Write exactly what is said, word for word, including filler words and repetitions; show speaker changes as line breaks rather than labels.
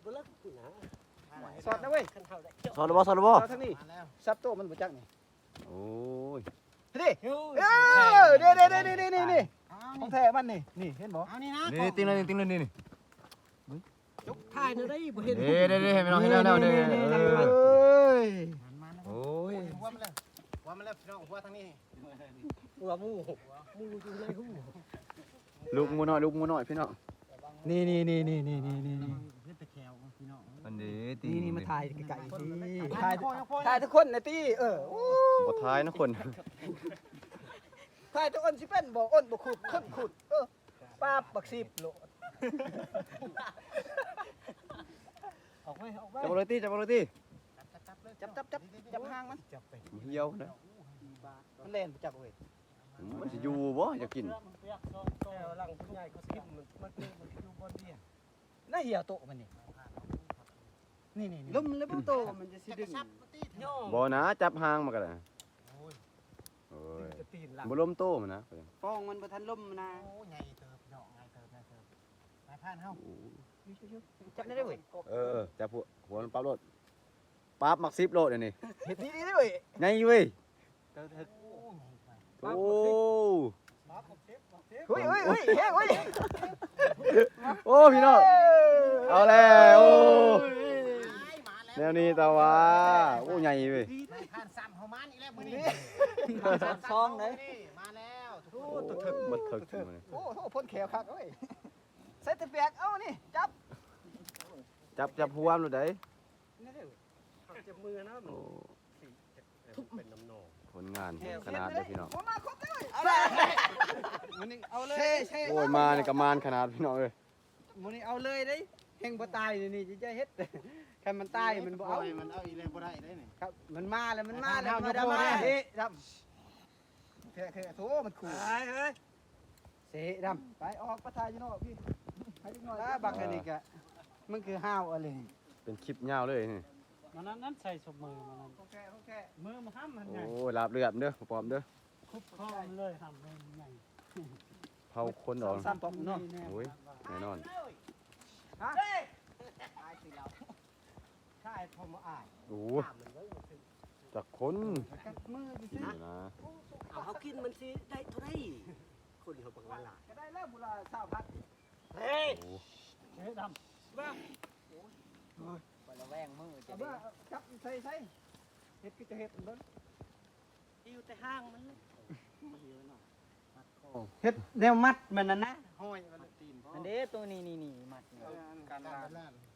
บ่เลิกนะ
สอดนะเว้ย
คันเท่าได้
สอนหรือบ่สอนหรือบ่
เอาทั้งนี้ซับโตมันบ่จักนี่
โอ้ย
ดิเออเด้เด้เด้เด้เด้เด้นี่ของแท้มันนี่นี่เห็นบ่
เอานี่นะ
นี่ติ้งเลยติ้งเลยนี่นี่
ยกถ่ายน่ะได้บ่เห็น
เด้เด้เด้ให้พี่น้องเห็นแล้วแล้วเด้
เอ้ย
โอ้ย
หัวมันเลยหัวมันเลยพี่น้องหัวทางนี้
หัวหมูหมูอยู่ในหู
ลูกหมูน้อยลูกหมูน้อยพี่น้อง
นี่นี่นี่นี่นี่นี่นี่
เฮ็ดตะแควพี่น้อง
อันนี้ตี
นี่นี่มาถ่ายไก่ๆสิถ่ายถ่ายทุกคนนะตี้เออ
บ่ท้ายนะคน
ถ่ายทุกคนสิเป็นบ่อ้นบ่ขุดคนขุดเออป้าบักสิบโล
ออกไปออกไป
จับเลยตีจับเลยตี
จับจับจับจับหางมัน
จับไป
เหี่ยวนะ
มันเล่นบ่จักเว้ย
มันสิอยู่บ่อยากกิน
แต่หลังผู้ใหญ่เขาสิมันมันมันอยู่บนเดีย
น่าเหี่ยวโตมันนี่นี่นี่
ลมแล้วบ่โตมันจะสิดึงย่อ
บ่นะจับหางมาก็ได้โอ้ย
จะตีนหลัง
บ่ล้มโตมันนะ
ฟองมันบ่ทันล่มนะ
โอ้ใหญ่เติบพี่น้องใหญ่เติบใหญ่เติบนายพานเฮา
จับได้เด้อเว้ย
เออจับหัวหัวมันปั๊บโลดปั๊บมักสิบโลดอันนี้
เฮ็ดนี่นี่เด้อเว้ย
ไงเว้ย
โอ้ใหญ่ไป
โอ้
เฮ้ยเฮ้ยเฮ้ยเฮ้ยเฮ้ย
โอ้พี่น้องเอาแล้วโอ้
มาแล้ว
แนวนี้ตาว่าโอ้ใหญ่เว้ย
นายพานซ้ำเฮามันอีกแล้วมื้อนี้
ซองไหน
มาแล้วทุก
โอ้
คน
ตัวถึก
มันถึกถึงมัน
โอ้โหพ่นแขวคักเว้ยใส่ตะเปียกเอ้านี่จับ
จับจับหัวมันได้
นี่เด้อ
จับมือนะมัน
โอ้
ทุบเป็นน้ำนอง
ผลงานขนาดเลยพี่น้อง
ผมมาครบเลยเอาเลยมันนี่เอาเลยเช่
โอ้ยมาในกระมานขนาดพี่น้องเอ้ย
มันนี่เอาเลยเด้แห่งบ่ตายนี่จะเฮ็ดคันมันตายมันบ่เอา
มันเอาอีแล้วบ่ได้ได้นี่
ครับมันมาแล้วมันมาแล้ว
เอา
มัน
เอา
มา
เอา
เฮ้ดำเท่เท่โถมันขู่
เฮ้ยเฮ้ย
เสดำไปออกประทายอยู่นอกพี่ให้ลูกน้อยแล้วบักอันนี้กะมันคือห้าวอะไร
เป็นคลิปยาวเลยนี่
มันนั้นนั้นใส่สมมือมันนั้น
โอเคโอเค
มือมันห้ามมัน
โอ้
ใหญ่
ยลาบเลือดเด้อปอมเด้อ
คุบข้อมันเลยห้ามเลยใหญ่
เผาคนออก
สามปอมเนาะ
โอ้ยแน่นอน
ฮะ
ใช่พอมาอ่าน
โอ้ยจากคน
กับมือดิ
นี่นะ
เอาเขากินมันสิได้เท่าไรคนเขาบอกว่าล่ะ
ก็ได้แล้วบุราสาวพัด
เฮ้ย
โอ้
เฮ้ยดำบ้า
ไปละแวงมือจะได้จับใส่ใส่เฮ็ดก็จะเฮ็ดเบิ่ง
อยู่แต่ห้างมันมันเยอะหน่อย
เฮ็ดแนวมัดมันน่ะนะห้อยมัน
ตีนพ่อ
อันเด้ตัวนี้นี่นี่มัด
การบ้าน